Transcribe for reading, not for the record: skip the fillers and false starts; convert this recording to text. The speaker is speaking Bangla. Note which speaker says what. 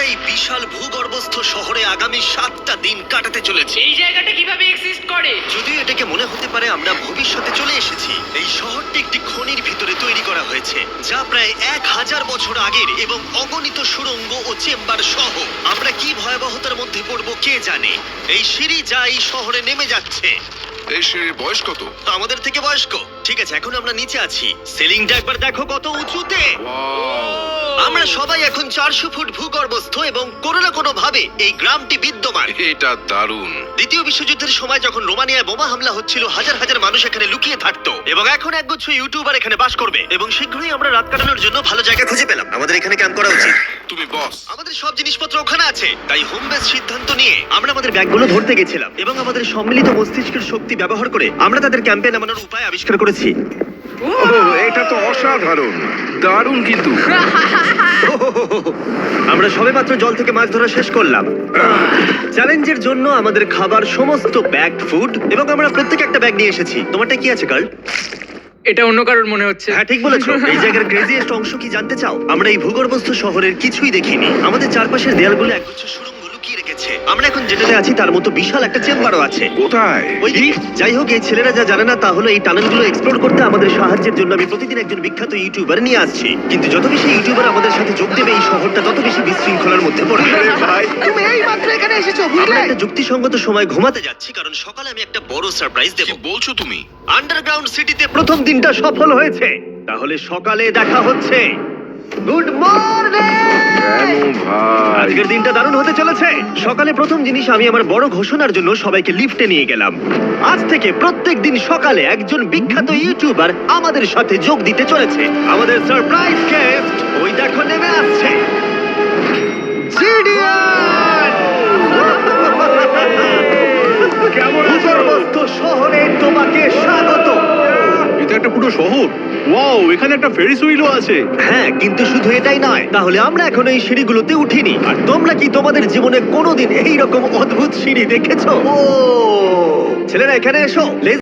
Speaker 1: এই বিশাল ভূগর্ভস্থ শহরে আগামী 7টা দিন কাটাতে চলেছে।
Speaker 2: এই জায়গাটা কিভাবে এক্সিস্ট করে?
Speaker 1: যদিও এটাকে মনে হতে পারে আমরা ভবিষ্যতে চলে এসেছি, এই শহরটি একটি খনির ভিতরে তৈরি করা হয়েছে যা প্রায় 1000 বছর আগের এবং অগণিত সুড়ঙ্গ ও চেম্বার সহ। আমরা কি ভয়াবহতার মধ্যে পড়বো কে জানে। এই সিঁড়ি যা এই শহরে নেমে যাচ্ছে
Speaker 3: এই সিঁড়ির বয়স কত?
Speaker 1: আমাদের থেকে বয়স্ক। ঠিক আছে, এখন আমরা নিচে আছি। সিলিংটা একবার দেখো কত উঁচুতে। আমরা সবাই এখন 400 ফুট ভূগর্ভস্থ এবং কোনো না কোনো ভাবে এই গ্রামটি বিদ্যমান।
Speaker 3: এটা দারুণ।
Speaker 1: দ্বিতীয় বিশ্বযুদ্ধের সময় যখন রোমানিয়ায় বোমা হামলা হচ্ছিল, হাজার হাজার মানুষ এখানে লুকিয়ে থাকতো এবং এখন একগুচ্ছ ইউটিউবার এখানে বাস করবে এবং শীঘ্রই আমরা রাত কাটানোর জন্য ভালো জায়গা খুঁজে পেলাম। আমাদের এখানে ক্যাম্প করা উচিত।
Speaker 3: তুমি বস।
Speaker 1: আমাদের সব জিনিসপত্র ওখানে আছে, তাই হোম বেস সিদ্ধান্ত নিয়ে আমরা আমাদের ব্যাগগুলো ধরতে গেছিলাম এবং আমাদের সম্মিলিত মস্তিষ্কের শক্তি ব্যবহার করে আমরা তাদের ক্যাম্পে নামানোর উপায় আবিষ্কার করেছি।
Speaker 3: এটা তো অসাধারণ, দারুণ কিন্তু।
Speaker 1: আমরা সবেমাত্র জল থেকে মাছ ধরা শেষ করলাম। চ্যালেঞ্জের জন্য আমাদের খাবার সমস্ত ব্যাগড ফুড এবং আমরা প্রত্যেক একটা ব্যাগ নিয়ে এসেছি। তোমারটা কি আছে কার্ল?
Speaker 2: এটা অন্য কারোর মনে হচ্ছে।
Speaker 1: হ্যাঁ, ঠিক বলেছো। এই জায়গার ক্রেজিয়েস্ট অংশ কি জানতে চাও? আমরা এই ভূগর্ভস্থ শহরের কিছুই দেখিনি। আমাদের চারপাশের দেয়ালগুলো একগুচ্ছ সুড়ঙ্গ লুকিয়ে রেখেছে। আমরা এখন যেটাতে আছি তার মতো বিশাল একটা চেম্বারও আছে।
Speaker 3: কোথায়?
Speaker 1: ওই দিকে। যাই হোক, এই ছেলেরা যা জানে না তা হলো এই টানেলগুলো এক্সপ্লোর করতে আমাদের সাহায্যের জন্য আমি প্রতিদিন একজন বিখ্যাত ইউটিউবার নিয়ে আসছি। কিন্তু যত বেশি ইউটিউবার আমাদের সাথে যোগ দেবে এই শহরটা তত বেশি বিশৃঙ্খলার মধ্যে পড়বে।
Speaker 4: তুমি এই মাত্র এখানে এসেছো,
Speaker 1: আমরা
Speaker 4: বুঝলে?
Speaker 1: একটা যুক্তিসঙ্গত সময় ঘুমাতে যাচ্ছি কারণ সকালে আমি একটা বড় সারপ্রাইজ দেব।
Speaker 3: কি বলছো তুমি?
Speaker 1: আন্ডারগ্রাউন্ড সিটিতে প্রথম দিনটা সফল হয়েছে। তাহলে সকালে দেখা হচ্ছে। Good morning!
Speaker 3: কেন ভাই?
Speaker 1: আজকের দিনটা দারুণ হতে চলেছে। সকালে প্রথম জিনিস, আমি আমার বড় ঘোষণার জন্য সবাইকে লিফটে নিয়ে গেলাম। আজ থেকে প্রত্যেক দিন সকালে একজন বিখ্যাত ইউটিউবার আমাদের সাথে যোগ দিতে চলেছে। আমাদের সারপ্রাইজ গেস্ট ওই দেখো নেমে আসছে। জিডিয়ান! ভূগর্ভস্থ শহরে তোমাকে স্বাগত।
Speaker 5: এটা একটা পুরো শহর। ওয়াও, এখানে একটা ফেরিস হুইলও আছে।
Speaker 1: হ্যাঁ, কিন্তু শুধু এটাই নয়। তাহলে আমরা এখন এই সিঁড়িগুলোতে উঠিনি। আর তোমরা কি তোমাদের জীবনে কোনোদিন এইরকম অদ্ভুত সিঁড়ি দেখেছো? ও ছেলেরা, এখানে এসো।